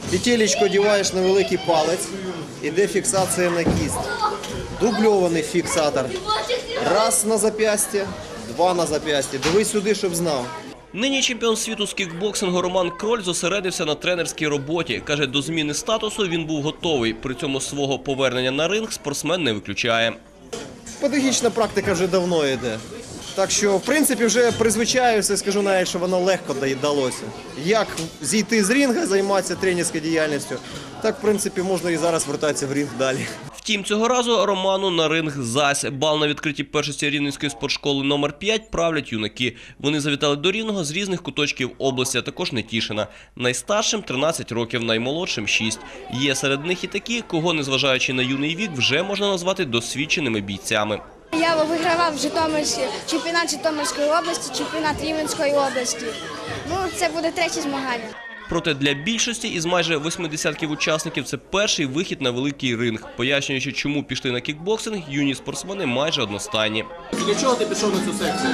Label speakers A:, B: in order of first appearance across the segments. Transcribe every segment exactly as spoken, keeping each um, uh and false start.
A: Петелечку одягаєш на великий палець, іде фіксація на кість. Дубльований фіксатор. Раз на зап'ястя, два на зап'ястя. Дивись сюди, щоб знав.
B: Нині чемпіон світу з кікбоксингу Роман Кроль зосередився на тренерській роботі. Каже, до зміни статусу він був готовий. При цьому свого повернення на ринг спортсмен не виключає.
A: Педагогічна практика вже давно йде. Так що, в принципі, вже призвичаюся, скажу навіть, що воно легко далося. Як зійти з ринга, займатися тренерською діяльністю, так, в принципі, можна і зараз вертатися в ринг далі.
B: Втім, цього разу Роману на ринг зась. Бал на відкритій першості Рівненської спортшколи номер п'ять правлять юнаки. Вони завітали до Рівного з різних куточків області, а також Нетішина. Найстаршим – тринадцять років, наймолодшим – шість. Є серед них і такі, кого, незважаючи на юний вік, вже можна назвати досвідченими бійцями.
C: Я вигравав в Житомирській, чемпіонат Житомирської області, чемпіонат Рівненської області. Ну, це буде третє змагання.
B: Проте для більшості із майже восьми десятків учасників це перший вихід на великий ринг. Пояснюючи, чому пішли на кікбоксинг, юні спортсмени майже одностайні.
D: Для чого ти пішов на цю секцію?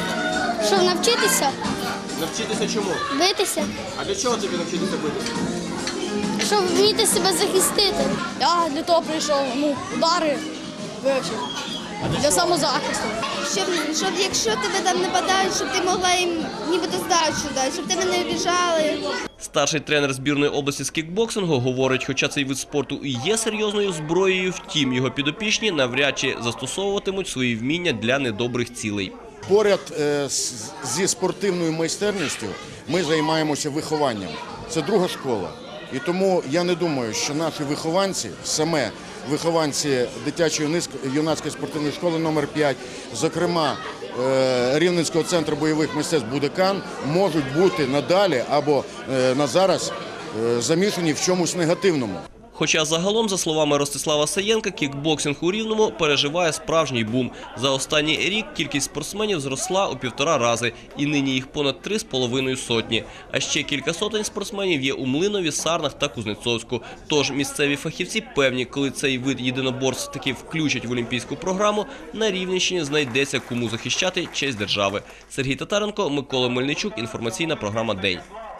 C: Щоб навчитися?
D: Навчитися чому?
C: Битися?
D: А для чого тобі навчитися битися?
C: Щоб вміти себе захистити. Я для того прийшов, ну, удари вивчив. Для самозахисту.
E: Щоб, щоб якщо тебе там нападають, щоб ти могла їм нібито здачу дати, щоб тебе не обіжали.
B: Старший тренер збірної області з кікбоксингу говорить, хоча цей вид спорту і є серйозною зброєю, втім його підопічні навряд чи застосовуватимуть свої вміння для недобрих цілей.
F: Поряд зі спортивною майстерністю ми займаємося вихованням. Це друга школа. І тому я не думаю, що наші вихованці, саме вихованці дитячої юнацької спортивної школи номер п'ять, зокрема Рівненського центру бойових мистецтв «Будекан», можуть бути надалі або на зараз замішані в чомусь негативному.
B: Хоча загалом, за словами Ростислава Саєнка, кікбоксинг у Рівному переживає справжній бум. За останній рік кількість спортсменів зросла у півтора рази, і нині їх понад три з половиною сотні. А ще кілька сотень спортсменів є у Млинові, Сарнах та Кузнецовську. Тож місцеві фахівці певні, коли цей вид єдиноборств таки включать в олімпійську програму, на Рівненщині знайдеться кому захищати честь держави. Сергій Татаренко, Микола Мельничук, інформаційна програма «День».